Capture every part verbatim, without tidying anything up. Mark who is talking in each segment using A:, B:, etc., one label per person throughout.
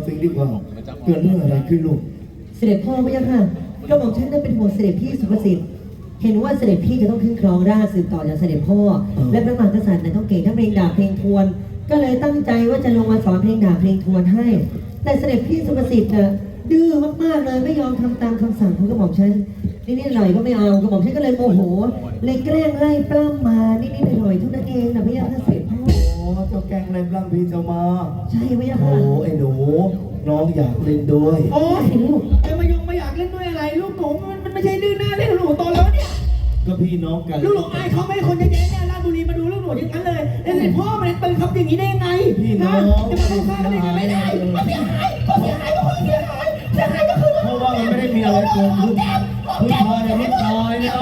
A: สิงดีกว่าเกิดเรื่องอะไรขึ้นลูก
B: เสด็จพ่อพระยาค่ะก็บอกฉันนั้นเป็นห่วงเสด็จพี่สุภสิทธิ์เห็นว่าเสด็จพี่จะต้องขึ้นครองราชย์สืบต่อจากเสด็จพ่อและพระมหากษัตริย์นั้นต้องเก่งทั้งเพลงดาบเพลงทวนก็เลยตั้งใจว่าจะลงมาสอนเพลงดาบเพลงทวนให้แต่เสด็จพี่สุภสิทธิ์น่ะดื้อมากๆเลยไม่ยอมทำตามคำสั่งของกระหม่อมฉันนิดๆหน่อยก็ไม่เอากระหม่อมฉันก็เลยโมโหเลยแกล้งไล่ปล้ำมานิดๆหน่อยๆเท่านั้นเองนะพระยาค่ะเสด็จพ่อ
A: โอ้เจ้าแกงในปล้ำพี่เจ้ามา
B: ใช่พระยาค่ะ
A: โอ้ไอ้หนูน้องอยากเล่นด้วย
C: โอ้ยลูกจะมายงมาอยากเล่นด้วยอะไรลูกหนูมันมันไม่ใช่ดื้อหน้าเล่นหนูโตแล้วเนี่ย
A: ก็พี่น้องกัน
C: ลูกหนูอายเขาไม่คนเยอะแยะเนี่ยราชบุรีมาดูลูกหนูอย่างนั้นเลยแล้วเสร็จพ่อมันเป็นคำอย่างนี้ได้ยังไง
A: พี่น้อง
C: จะมาเข้าข้างกันได้ยังไงไม่ได้ก็เสียหายก็เสียหายก็คนเสียหายเสียหายก็คือ
A: เพราะว่ามันไม่ได้มีอะไรเกิดขึ้นผู้ชายเนี่ยนิดหน่อยเนี่ย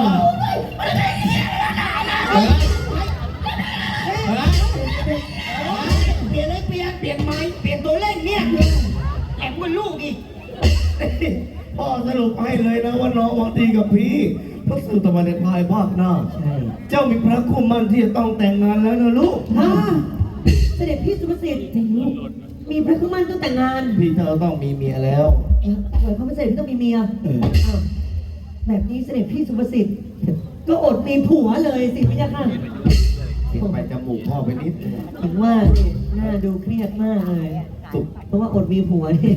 C: เปลี่ยนเลยเปลี่ยนเปลี่ยนไม้เปลี่ยนตัวเล่นเนี่ยแอบกับลูกอีก
A: พ่อสรุปให้เลยนะว่าน้องหวังดีกับพี่พระสุตวันในภายภาคหน้า
B: ใช่
A: เจ้ามีพระคู่มั่นที่จะต้องแต่งงานแล้วนะลูก
B: เสด็จพี่สุภสิทธิ์มีพระคู่มั่นต้องแต่งงาน
A: พี่เธอต้องมีเมียแล้ว
B: หมายความว่าเสด็จพี่ต้องมีเมียแบบนี้เสด็จพี่สุภสิทธิ์ก็อดมีผัวเลยสิพี่ยาค่ะ
A: ไปจมูกพ่อไปนิด
B: ถึงว่าหน้าดูเครียดมากเลยเพราะว่าอดมีผัวนี่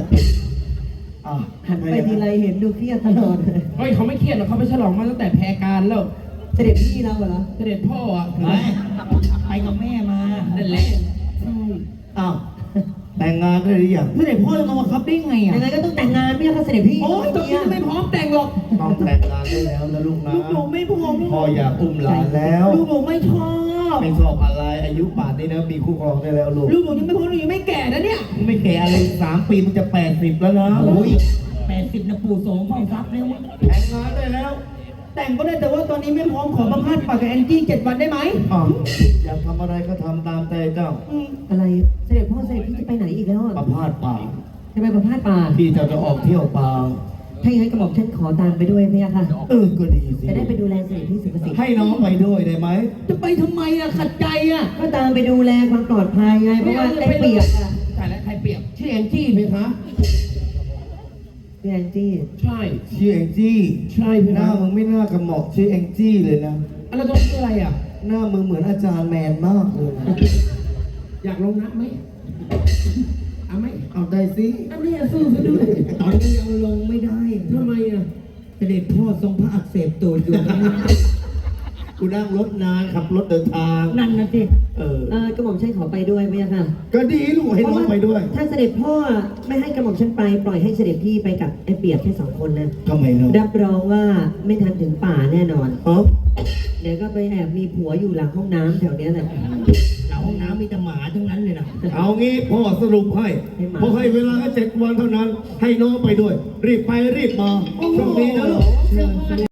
B: หันไปทีไรเห็นดูเครียดตลอดเลย
C: เฮ้ยเขาไม่เครียดหรอกเขาไปฉลองมาตั้งแต่แพรการแล้ว
B: เสด็จพี่เราเหรอ
C: เสด็จพ่ออ่ะไปกับแม่มานั่นแหละ
B: ใช่
A: อ้าวแต่งงานได้หรือยัง
C: เสด็จพ่อจะมาบังคับได้ไงอ่ะ
B: ยังไงก็ต้องแต่งงานพี่ค่ะเสด็จพี่
C: โอ้ยตอนนี้ไม่พร้อมแต่งหรอก
A: ต้องแต่งงานได้แล้วนะลูกนะ
C: ลูกหนูไม่พร้อม
A: พ่ออยากอุ้มหลานแล้ว
C: ลูกหนูไม่ชอบ
A: ไม่ชอบอะไรอายุป่านนี้นะมีคู่ครองได้แล้วลูก
C: ลูกหนูยังไม่พร้อมหนูยังไม่แก่นะเนี่ย
A: ไม่แก่อะไรสามปีมันจะแปดสิบแล้วนะ
C: โอ้ยแปดสิบนะปู่โสมพ่อทรัพย์แล้ว
A: แต่งงานได้แล้ว
C: แต่งก็ได้แต่ว่าตอนนี้ไม่พร้อมขอประพาสปากกับแอนจี้เจ็ดวันได้ไหม
A: อ๋ออยากทำอะไรก็ทำตามใจเจ้า
B: อะไรเสด็จพ่อเสด็จพี่จะไปไหนอีกแล้วอ่ะ
A: ประพาสป่า
B: จะไปประพาสป่า
A: พี่จะจะออกเที่ยวป่า
B: ถ้าอย่างนั้นกระหม่อมฉันขอตามไปด้วยไหมค่ะ
A: เออก็ดีสิ
B: จะได้ไปดูแลเสด็จพี่สุภสิทธิ์
A: ให้น้องไปด้วยได้ไหม
C: จะไปทำไมอ่ะขัดใจอ่ะ
B: ก็ตามไปดูแลความปลอดภัยไงเพราะว่าได้เปรียบอ่ะ
C: ใช่แล้วใครเปรียบชื่อแอนจี้ไหมคะ
B: ชื่อแองจี้
C: ใช่
A: ชื่อแองจี้
C: ใช่พี่
A: หน้ามึงไม่น่ากระหม่อมชื่อแองจี้เลยนะ
C: อะไรต้องชื่ออะไรอ่ะ
A: หน้ามึงเหมือนอาจารย์แมนมากเลย
C: อยากลงนักไหมเอาไหม
A: เอาได้สิ
C: อันนี้สู้ซะด้วย
A: ตอนนี้ยังลงไม่ได้
C: ทำไมอ่ะ
A: เสด็จพ่อทรงพระอักเสบตัวอยู่กูนั่งรถนานขับรถเดินทาง
B: นั่นนะสิ
A: เออ
B: เออกระหม่อมฉันขอไปด้วยไหมค่ะ
A: ก็ดีลูกให้น้องไปด้วย
B: ถ้าเสด็จพ่อไม่ให้กระหม่อมฉันไปปล่อยให้เสด็จพี่ไปกับไอ้เปียกแค่สองคนนะ
A: ทำไมเนาะ
B: รับรองว่าไม่ทันถึงป่าแน่นอน
A: อ๋อ
B: เดี๋ยวก็ไปแอบมีผัวอยู่หลังห้องน้ำแถวเนี้ยแหละ
C: หลังห้องน้ำมีแต่หมาทั้งนั้นเลยนะ
A: เอางี้พ่อสรุปให้พ่อให้เวลาแค่เจ็ดวันเท่านั้นให้น้องไปด้วยรีบไปรีบมาโชคดีนะลูก